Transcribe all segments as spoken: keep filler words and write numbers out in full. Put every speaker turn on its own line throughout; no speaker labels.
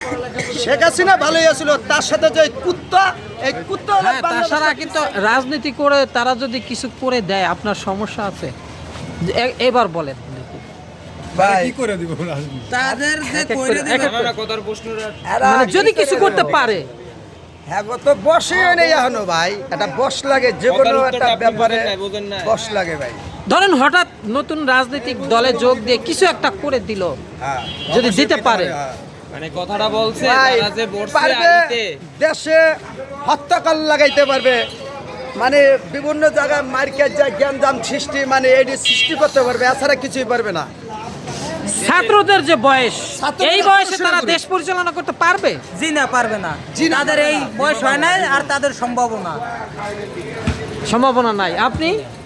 শেখ হাসিনা ভালোই আছিল, তার সাথে যে কুত্তা, এই কুত্তা হলো
হ্যাঁ, তাছাড়া কিন্তু রাজনীতি করে তারা যদি কিছু করে দেয় আপনার সমস্যা আছে? যে এ- এবার বলেন
ভাই
কি করে দিব রাজনীতি?
তাদের যে
এক এক
কইরে
করে-
দিবে
এক এক করে।
কথার প্রশ্নটা
এরা
মানে যদি
কি
কিছু
করে
করতে
দেবো?
পারে,
হ্যাঁ গো, তো বসে নেই এখনো ভাই, একটা বস লাগে যে কোনো
কথার
একটা
উত্তরটা আপনি
ব্যাপারে
বোঝেন নাই, বোঝেন নাই।
বস লাগে ভাই।
ধরেন হঠাৎ নতুন রাজনৈতিক দলে যোগ দিয়ে কিছু একটা করে দিল,
হ্যাঁ
যদি দিতে পারে,
হ্যাঁ।
মানে কথাটা বলছে
ভাই,
তারা যে বসছে
পারবে
আইতে
দেশে হত্যাকাল লাগাইতে পারবে, মানে বিভিন্ন জায়গায় মার্কেট যায় জ্ঞানজাম সৃষ্টি, মানে এটি সৃষ্টি করতে পারবে, এছাড়া কিছুই পারবে না।
ছাত্রদের যে বয়স,
ছাত্রদের
এই বয়সে
শুরু
তারা
করি।
দেশ পরিচালনা করতে পারবে?
জি না পারবে না
জি না,
তাদের এই বয়স হয় না আর তাদের সম্ভাবনা
সম্ভাবনা নাই। আপনি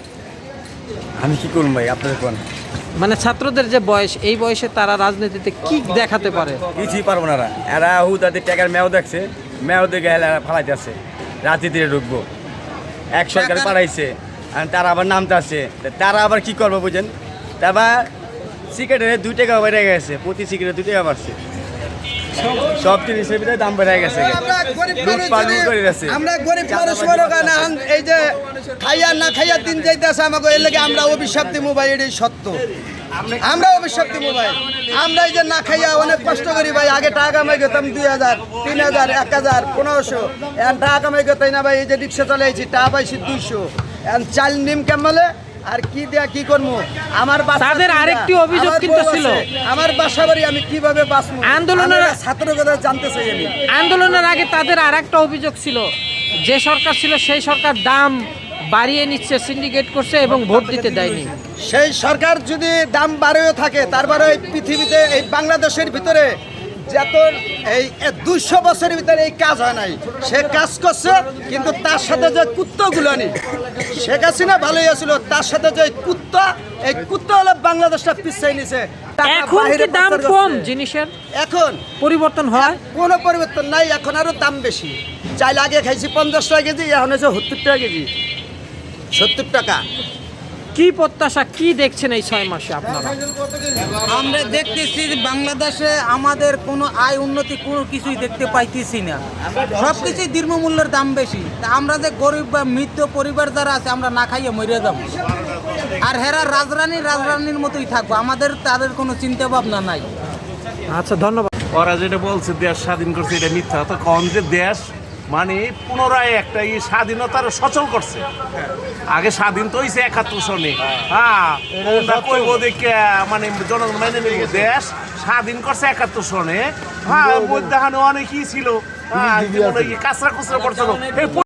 আমি কি করব ভাই, আপনাদের কোন
মানে ছাত্রদের যে বয়স, এই বয়সে তারা রাজনীতিতে কি দেখাতে পারে?
কিছুই পারবো না এরা। এরা হু তাদের টাকার মেয়াও দেখছে, মেয়াও দেখে এরা ফালাইতে আছে, রাজনীতিতে ঢুকবো। এক সরকার পাঠাইছে আর তারা আবার নামতে আছে, তারা আবার কি করবো বুঝেন? তারপর সিগারেটের দুই টাকা বেড়ে গেছে, প্রতি সিগারেট দুই টাকা বাড়ছে, সব জিনিসের ভিতরে দাম বেড়ে গেছে।
আমরা গরিব
লুট
মানুষ
পাট
যদি-
করে গেছে।
আমরা গরিব মানুষ বড় গান, এই যে খাইয়া না খাইয়া দিন যাইতেছে আমাকে, এর লাগে আমরা অভিশাপ দিব ভাই, এটাই সত্য। আমরা অভিশাপ দিব ভাই, আমরা এই যে না খাইয়া অনেক কষ্ট করি ভাই। আগে টাকা কামাই করতাম দুই হাজার তিন হাজার এক হাজার পনেরোশো, এখন টাকা কামাই করতাম না ভাই। এই যে রিক্সা চালাইছি টাকা পাইছি দুইশো, এখন চাল নিম কেমলে আর কি দেয়া কি করবো? আমার বাচ্চা
তাদের
তিনটা,
আরেকটি অভিযোগ
আমার
কিন্তু
বউ
ছিল।
আছে, আমার বাসা বাড়ি, আমি কিভাবে বাঁচবো?
আন্দোলনের-
আমি ছাত্র কথা জানতে চাই আমি।
আন্দোলনের আগে তাদের আর একটা অভিযোগ ছিল, যে সরকার ছিল সেই সরকার দাম বাড়িয়ে নিচ্ছে, সিন্ডিকেট করছে এবং ভোট দিতে দেয়নি।
সেই সরকার যদি দাম বাড়েও থাকে, তারপরে এই পৃথিবীতে এই বাংলাদেশের ভিতরে যত এই দুইশো বছরের ভিতরে এই কাজ হয় নাই, সে কাজ করছে। কিন্তু তার সাথে যে কুত্তাগুলো নেই, শেখ হাসিনা ভালোই আছিল, তার সাথে যে কুত্তা, এই কুত্তা হলো বাংলাদেশটা পিছিয়ে নিছে। টাকা
এখন
বাহিরে
কি দাম
পাচার
কম
করছে।
জিনিসের?
এখন
পরিবর্তন হয়?
কোনো পরিবর্তন নাই, এখন আরো দাম বেশি। চাইলে আগে খাইছি পঞ্চাশ টাকা কেজি, এখন হচ্ছে সত্তর টাকা কেজি, সত্তর টাকা।
কি প্রত্যাশা, কি দেখছেন এই ছয় মাসে আপনারা?
আমরা দেখতেছি যে বাংলাদেশে আমাদের কোনো আয় উন্নতি কোনো কিছুই দেখতে পাইতেছি না, সব কিছুই দ্রব্যমূল্যের দাম বেশি। তা আমরা যে গরিব বা মৃত পরিবার যারা আছে, আমরা না খাইয়ে মরে যাব, আর হেরা রাজরানী রাজরানীর মতোই থাকবো, আমাদের তাদের কোনো চিন্তা ভাবনা নাই।
আচ্ছা, ধন্যবাদ।
ওরা যেটা বলছে দেশ স্বাধীন করছে, এটা মিথ্যা কথা। কন যে দেশ মানে পুনরায় একটা এই স্বাধীনতার সচল করছে। আগে স্বাধীন তো হয়েছে একাত্তর সনে, হ্যাঁ ওটা কইব দেখে মানে জনগণ মেনে নিব। দেশ স্বাধীন করছে একাত্তর সনে, হ্যাঁ মধ্যাহ্নে অনেকই ছিল, হ্যাঁ কাঁচরা কুচরা পড়ছিল।